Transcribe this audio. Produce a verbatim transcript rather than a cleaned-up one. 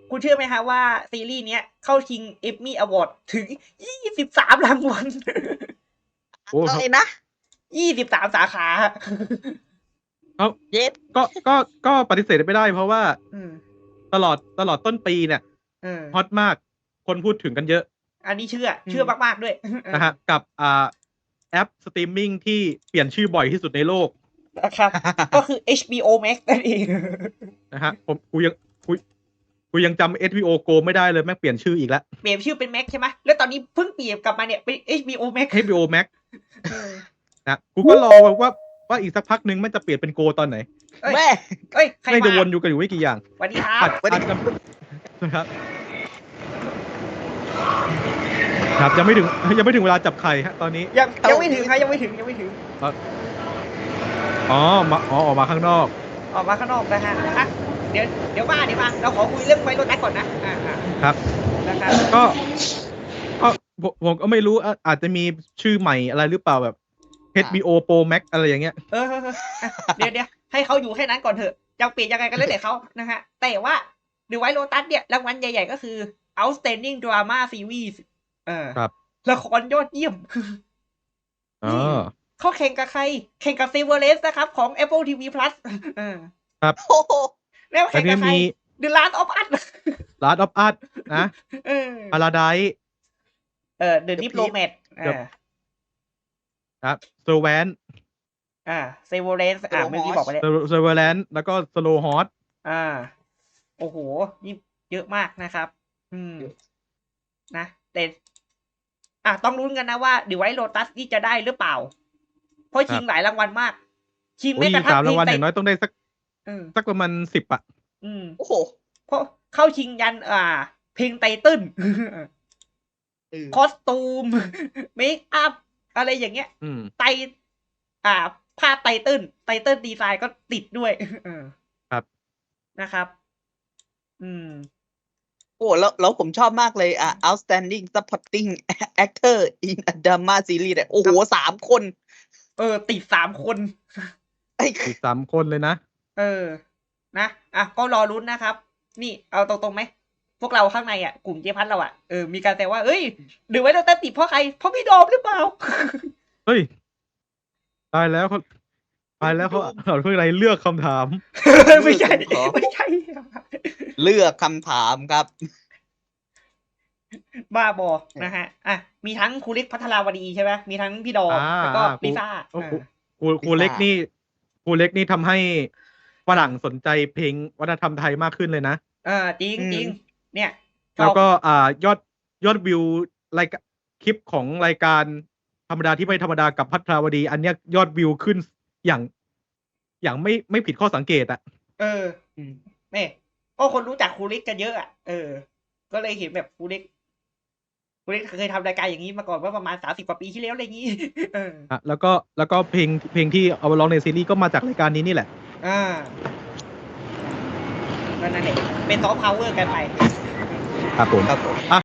คุณเชื่อไหมฮะว่าซีรีส์เนี้ยเข้าชิงเอมมี่อวอร์ดถึงยี่สิบสามรางวัลโอ้อะไรนะยี่สิบสามสาขาเขาเย็ดก็ก็ก็ปฏิเสธไม่ได้เพราะว่าอืมตลอดตลอดต้นปีเนี่ยเออฮอตมากคนพูดถึงกันเยอะอันนี้เชื่อ เชื่อมากๆด้วยนะฮะกับอ่าแอปสตรีมมิ่งที่เปลี่ยนชื่อบ่อยที่สุดในโลกนะครับ ก็คือ เอช บี โอ Max นั่นเองนะฮะผมกูยังกูกูยังจำ เอช บี โอ Go ไม่ได้เลยแม่งเปลี่ยนชื่ออีกแล้วเปลี่ยนชื่อเป็น Max ใช่ไหมแล้วตอนนี้เพิ่งเปลี่ยนกลับมาเนี่ยเป็น เอช บี โอ Max เอช บี โอ Max เออนะกูก็รอว่าว่าอีกสักพักนึงมันจะเปลี่ยนเป็น Go ตอนไหนเอ้ยแม่เอ้ย ใครไม่จะมาวนอยู่กันอยู่ไม่กี่อย่างสวัสดีครัอาบจอาจจะนะครับครับยังไม่ถึงยังไม่ถึงเวลาจับไข่ฮะตอนนี้ยังยังไม่ถึงครับยังไม่ถึงยังไม่ถึงอ๋อมาอ๋อออกมาข้างนอกออกมาข้างนอกนะฮะอ่ะเดี๋ยวเดี๋ยวมาเดี๋ยวมาเราขอคุยเรื่องไฟรถแท็กก่อนนะอ่าอ่าครับนะครับก็ก็ผมผมก็ไม่รู้อ่ะอาจจะมีชื่อใหม่อะไรหรือเปล่าแบบ เอช บี โอ Pro Max อะไรอย่างเงี้ยเออเออเอออ่ะเดี๋ยวเดี๋ยวให้เขาอยู่แค่นั้นก่อนเถอะจะเปลี่ยนยังไงกันแล้วแต่เขานะฮะแต่ว่าดูไว้โลตัสเนี่ยรางวัลใหญ่ๆก็คือ outstanding drama series เออครับละครยอดเยี่ยมอ๋อเขาแข่งกับใคร แข่งกับ Severance นะครับ ของ Apple ที วี Plus เออโอ้โหแล้วแต่แข่งกับใครที่มี The Last of Us Last of Us นะเออ Paradise เออ The Diplomat เออครับ Servant อ่า Severance อ่าเมื่อกี้บอกไปแล้ว Servant แล้วก็ Slow Hot อ่า โอ้โห นี่เยอะมากนะครับ อืม นะ แต่ อ่ะ ต้องลุ้นกันนะว่าเดี๋ยวไว้โ o ตัสนี่จะได้หรือเปล่า เพราะชิงหลายรางวัลมาก ชิงโอ้ไม่ยกระทั่งสามรางวัลเพอลย่างน้อยต้องได้สักเออสักประมาณสิบอ่ะอืมโอ้โหเพราะเข้าชิงยัน อ่า เพลงไตเติ้ลเออคอสตูม เมคอัพ อะไรอย่างเงี้ยอืมไต อ่า ภาพไตเติ้ล ไตเติ้ลดีไซน์ก็ติดด้วย เออครับนะครับ อืมโอ้แล้วแล้วผมชอบมากเลยอ่ะ outstanding supporting actor in a drama series เนี่ยโอ้โหสามคนเออ ติดสามคนไอ้อีกสามคนเลยนะเออ นะ อ่ะ ก็รอรุ้นนะครับ นี่ เอาตรงๆไหม พวกเราข้างในอ่ะ กลุ่มเจ๊พัดเราอ่ะ เออ มีการแต่ว่า เอ้ยหรือไว้เราตัดติดเพราะใคร เพราะพี่โดมหรือเปล่าเฮ้ย ตายแล้วเขาตายแล้วเขาเขาเพื่ออะไรเลือกคำถามไม่ใช่ ไม่ใช่เลือกคำถามครับบ้าบอ นะฮะ อ่ะ มีทั้งครูเล็กพัทราวดีใช่ไหม มีทั้งพี่ดอมอ่าแล้วก็อ่าครูลิซ่าโอ้อ่าโห ครูครูเล็กนี่ครูเล็กนี่ทำให้ฝรั่งสนใจเพลงวัฒนธรรมไทยมากขึ้นเลยนะเออ จริงอืมจริง เนี่ยแล้วก็อ่ายอดยอดวิวรายการคลิปของรายการธรรมดาที่ไม่ธรรมดากับพัทราวดี อันเนี้ยยอดวิวขึ้นอย่าง อย่างไม่ไม่ผิดข้อสังเกตอ่ะเอออืมเนี่ยก็คนรู้จักครูเล็กกันเยอะอ่ะ เออ ก็เลยเห็นแบบครูเล็กครูเล็กเคยทำรายการอย่างนี้มาก่อนว่าประมาณสามสิบกว่าปีที่แล้วอะไรอย่างนี้ เอออ่ะแล้วก็แล้วก็เพลงเพลงที่เอามาร้องในซีรีส์ก็มาจากรายการนี้นี่แหละอ่านั่นนั่นเองเป็นซอฟต์พาวเวอร์กันไปครับผมครับผม